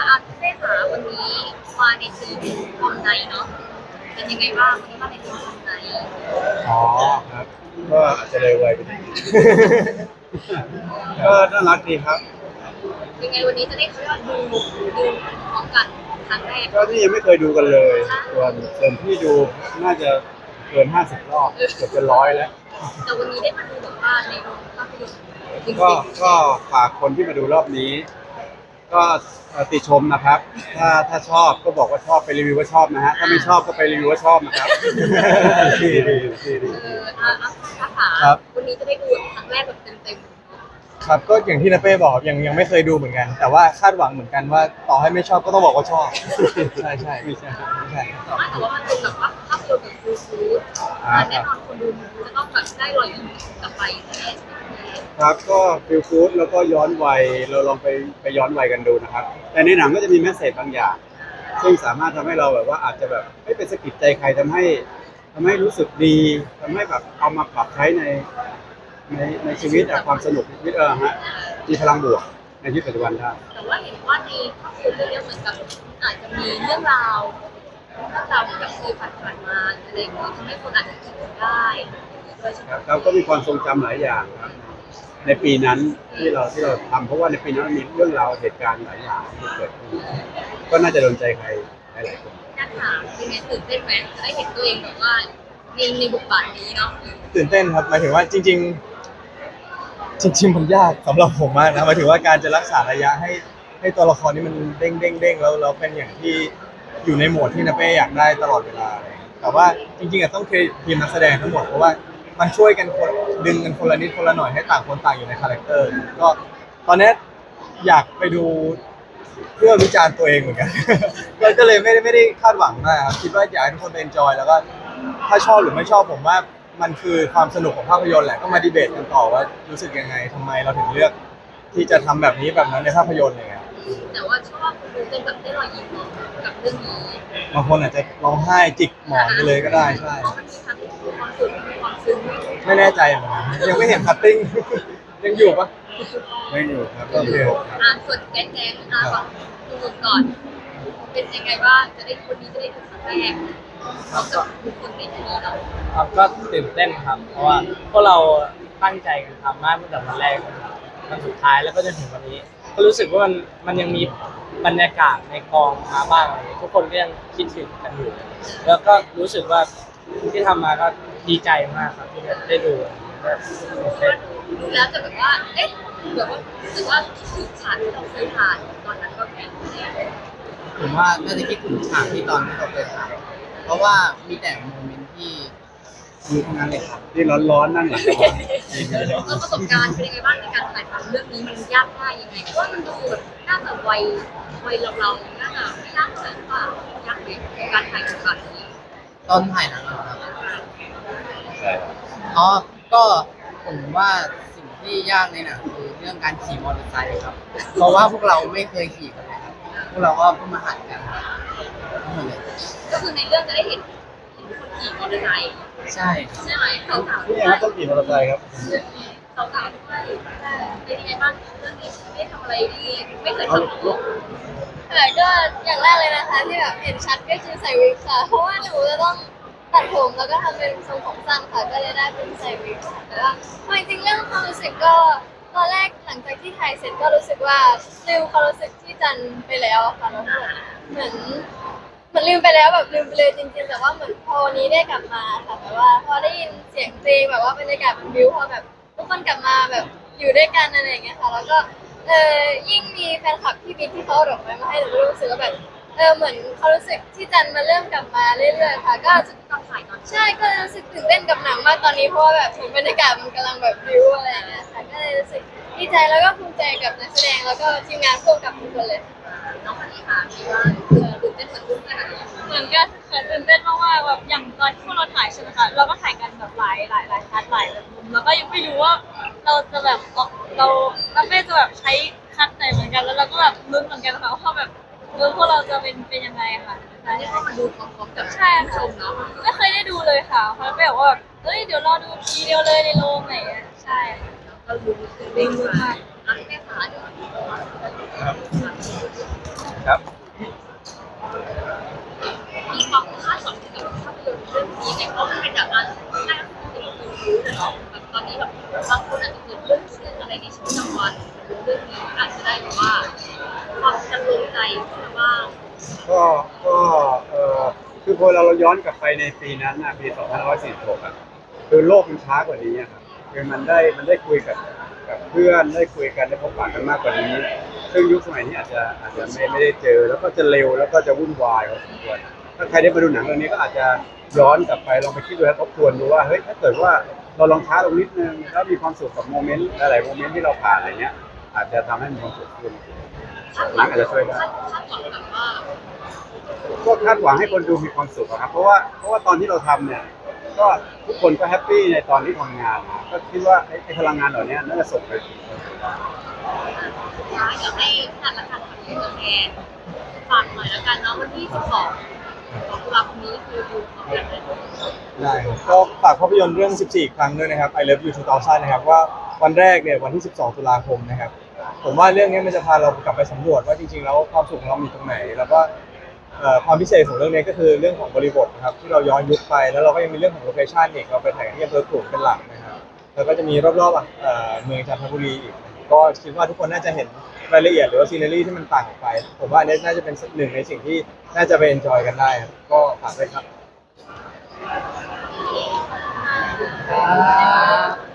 อาเต้ขาวันนี้มาในทีมคอมไนท์เนาะเป็นยังไงบ้างวันนี้มาในทีมคอมไนท์อ๋อครับก็อาจจะเลยวัยไปนิดนึงก็น่ารักดีครับยังไงวันนี้จะได้เขาเรียกว่าดูพร้อมกันครั้งแรกก็ที่ยังไม่เคยดูกันเลยส่วนที่ดูน่าจะเกิน50 รอบเกือบจะ100แล้วแต่วันนี้ได้มาดูแบบว่าในโรงภาพยนตร์จริงก็ฝากคนที่มาดูรอบนี้ก็ติชมนะครับถ้าชอบก็บอกว่าชอบไปรีวิวว่าชอบนะฮะถ้าไม่ชอบก็ไปรีวิวว่าชอบนะครับดีดีดีอาขาวันนี้จะได้ดูครั้งแรกแบบเต็มครับก็อย่างที่นาเป้บอกยังไม่เคยดูเหมือนกันแต่ว่าคาดหวังเหมือนกันว่าต่อให้ไม่ชอบก็ต้องบอกว่าชอบใช่ใช่ไม่ใช่ไม่ใช่ๆแต่ว่ามันเป็นแบบว่าภาพยนตร์แบบฟูลแน่นอนคนดูจะต้องแบบได้รอยยิ้มกลับไปแน่ครับก็ฟิลกู๊ดแล้วก็ย้อนวัยเราลองไปย้อนวัยกันดูนะครับแต่ในหนังก็จะมีแมสเสจบางอย่างซึ่งสามารถทำให้เราแบบว่าอาจจะแบบไม่เป็นสะกิดใจใครทำให้รู้สึกดีทำให้แบบเอามาปรับใช้ในชีวิตความสนุกชีวิตฮะมีพลังบวกในชีวิตปัจจุบันได้แต่ว่าเห็นว่าในภาพยนตร์เรื่องนี้เหมือนกับอาจจะมีเรื่องราวที่แบบเคยผ่านมาอะไรอย่างเงี้ยทำให้คนอาจจะคิดได้ด้วยใช่ไหมเราก็มีความทรงจำหลายอย่างครับในปีนั้นที่เราทำเพราะว่าในปีนั้นมีเรื่องราวเหตุการณ์หลายอย่างที่เกิดขึ้นก็น่าจะโดนใจใครหลายๆคนน่าถามเป็นไงตื่นเต้นไหมจะได้เห็นตัวเองแบบว่าในบทบาทนี้เนาะตื่นเต้นครับหมายถึงว่าจริงมันยากสำหรับผมมากนะหมายถึงว่าการจะรักษาระยะให้ตัวละครนี้มันเด้งแล้วเป็นอย่างที่อยู่ในโหมดที่นาเป้อยากได้ตลอดเวลาเลยแต่ว่าจริงๆต้องเครดิตทีมนักแสดงทั้งหมดเพราะว่ามันช่วยกันคนดึงกันคนละนิดคนละหน่อยให้ต่างคนต่างอยู่ในคาแรคเตอร์ก็ตอนนี้อยากไปดูเพื่อวิจารณ์ตัวเองเหมือนกันก็เลยไม่ได้คาดหวังมากครับคิดว่าอยากให้ทุกคนเอนจอยแล้วก็ถ้าชอบหรือไม่ชอบผมว่ามันคือความสนุกของภาพยนตร์แหละก็มาดีเบตกันต่อว่ารู้สึกยังไงทำไมเราถึงเลือกที่จะทำแบบนี้แบบนั้นในภาพยนตร์อะไรเงี้ยแต่ว่าชอบดูเป็นแบบได้รอยยิ้มกับเรื่องนี้บางคนอาจจะร้องไห้จิกหมอนไปเลยก็ได้ใช่ความสุขความซึ้งไม่แน่ใจเหมือนกันยังไม่เห็นคัตติ้งยังอยู่ปะไม่อยู่ครับโอเคส่วนแก๊งก่อนดูก่อนเป็นยังไงบ้างจะได้คนนี้จะได้ดูครั้งแรกเราจะดูคนในที่นี้เนาะครับก็ตื่นเต้นครับเพราะว่าพวกเราตั้งใจกันทำมากตั้งแต่วันแรกวันสุดท้ายแล้วก็จนถึงวันนี้ก็รู้สึกว่ามันยังมีบรรยากาศในกองมาบ้างอะไรทุกคนก็ยังคิดถึงกันอยู่แล้วก็รู้สึกว่าที่ทำมาก็ดีใจมากครับที่ได้ดูดูแล้วจะแบบว่าเอ๊ะแบบว่ารู้สึกว่าคิดถึงฉากที่เราเคยผ่านตอนนั้นก็แค่ผมว่าน่าจะคิดถึงฉากที่ตอนที่เราเคยถ่ายเพราะว่ามีแต่โมเมนต์ที่ดีทั้งนั้นเลยครับที่ร้อนๆนั่งหลังกระบะประสบการณ์เป็นยังไงบ้างในการถ่ายทำเรื่องนี้มันยากง่ายยังไงเพราะว่ามันดูแบบน่าจะวัยเราน่าจะไม่ยากเท่าไหร่ป่ะยากไหมการถ่ายทำนี้ตอนถ่ายหนังครับใช่อ๋อก็ผมว่าสิ่งที่ยากในหนังคือเรื่องการขี่มอเตอร์ไซค์ครับเพราะว่าพวกเราไม่เคยขี่กันเลยครับพวกเราก็เพิ่งมาหัดกันทั้งหมดเลยก็คือในเรื่องจะได้เห็นคนขี่มอเตอร์ไซค์ใช่ใช่ไหมสาวๆนี่ยังต้องขี่มอเตอร์ไซค์ครับสาวๆด้วยเป็นยังไงบ้างเรื่องนี้ไม่ทำอะไรที่ไม่เคยทำค่ะก็อย่างแรกเลยนะคะที่แบบเห็นชัดก็คือใส่วิกค่ะเพราะว่าหนูจะต้องตัดผมแล้วก็ทำเป็นทรงผมสั้นค่ะก็เลยได้เป็นใส่วิกค่ะแต่ว่าจริงๆเรื่องความรู้สึกก็ตอนแรกหลังจากที่ถ่ายเสร็จก็รู้สึกว่าลืมความรู้สึกที่จันไปแล้วค่ะแล้วเหมือนลืมไปแล้วแบบลืมไปเลยจริงๆแต่ว่าเหมือนพอวันนี้ได้กลับมาค่ะแบบว่าพอได้ยินเสียงเพลงแบบว่าบรรยากาศมันบิ้วพอแบบทุกคนกลับมาแบบอยู่ด้วยกันอะไรอย่างเงี้ยค่ะแล้วก็ยิ่งมีแฟนคลับที่บิ๊กที่เขาเอาดอกไม้มาให้หนูก็รู้สึกว่าแบบเหมือนเขารู้สึกที่จันมาเริ่มกลับมาเรื่อยๆค่ะก็ตอนถ่ายตอนใช่ก็รู้สึกตื่นเต้นกับหนังมากตอนนี้เพราะว่าแบบเหมือนบรรยากาศมันกำลังแบบบิ้วอะไรอย่างเงี้ยค่ะก็เลยรู้สึกดีใจแล้วก็ภูมิใจกับนักแสดงแล้วก็ทีมงานร่วมกับทุกคนเลยน้องคนนี้ค่ะมีว่าตื่นเต้นเหมือนรุ่นกันเหมือนกันค่ะตื่นเต้นมากๆแบบอย่างตอนที่พวกเราถ่ายใช่ไหมคะเราก็ถ่ายกันแบบหลายคัดหลายแบบมุมแล้วก็ยังไม่รู้ว่าเราจะแบบเราไม่จะแบบใช้คัดไหนเหมือนกันแล้วเราก็แบบลุ้นเหมือนกันค่ะว่าแบบพวกเราจะเป็นยังไงค่ะนี่ก็มาดูพร้อมๆกับใช่ชมเนาะไม่เคยได้ดูเลยค่ะเพราะไม่บอกว่าเฮ้ยเดี๋ยวรอดูทีเดียวเลยในโรงไหนใช่ก็รู้ตื่นเต้นมากแม่ขาเดี๋ยวครับมีความคาดหวังกับภาพยนตร์เรื่องนี้ในเพราะมันเป็นแบบว่าน่าจะเป็นคนรู้เลยแบบตอนนี้แบบบางคนอาจจะเกิดเรื่องเครียดอะไรในชีวิตประจำวันเรื่องนี้อาจจะได้แบบว่าความจะลงใจบ้างก็คือพอเราย้อนกลับไปในปีนั้นนะปี2546อ่ะคือโลกมันช้ากว่านี้อะครับคือมันได้คุยกับเพื่อนได้คุยกันได้พบปะกันมากกว่านี้ ซึ่งยุคสมัยนี้อาจจะไม่ได้เจอแล้วก็จะเร็วแล้วก็จะวุ่นวายพอสมควรถ้าใครได้มาดูหนังเรื่องนี้ก็อาจจะย้อนกลับไปลองไปคิดดูและทบทวนดูว่าเฮ้ยถ้าเกิดว่าเราลองช้าลงนิดนึงแล้วมีความสุขกับโมเมนต์หลายๆโมเมนต์ที่เราผ่านอะไรเงี้ยอาจจะทำให้มีความสุขขึ้นหนังอาจจะช่วยได้คาดหวังแบบว่าก็คาดหวังให้คนดูมีความสุขอะครับเพราะว่าตอนที่เราทำเนี่ยก็ทุกคนก็แฮปปี้ในตอนที่ทำงานนะก็คิดว่าไอ้พลังงานเหล่านี้น่าจะส่งไปถึงคนดูได้อยากให้จัดละกันกับตัวแทนฝากหน่อยแล้วกันเนาะวันที่12ตุลาคมนี้คือดูพร้อมกันเลยได้ครับก็ฝากภาพยนตร์เรื่อง 14 ครั้งด้วยนะครับ I Love You 2000 นะครับว่าวันแรกเนี่ยวันที่ 12 ตุลาคมนะครับผมว่าเรื่องนี้มันจะพาเรากลับไปสำรวจว่าจริงๆแล้วความสุขของเรามีตรงไหน แล้วก็ความพิเศษของเรื่องนี้ก็คือเรื่องของบริบทนะครับที่เราย้อนยุคไปแล้วเราก็ยังมีเรื่องของโลเคชั่นอีกเราไปถ่ายกันที่อำเภอขลุงเป็นหลักนะครับแล้วก็จะมีรอบๆเมืองจันทบุรีอีกก็คิดว่าทุกคนน่าจะเห็นรายละเอียดหรือว่าซีนารีที่มันต่างออกไปผมว่าอันนี้น่าจะเป็นหนึ่งในสิ่งที่น่าจะไปเอนจอยกันได้ครับก็ฝากด้วยครับครับ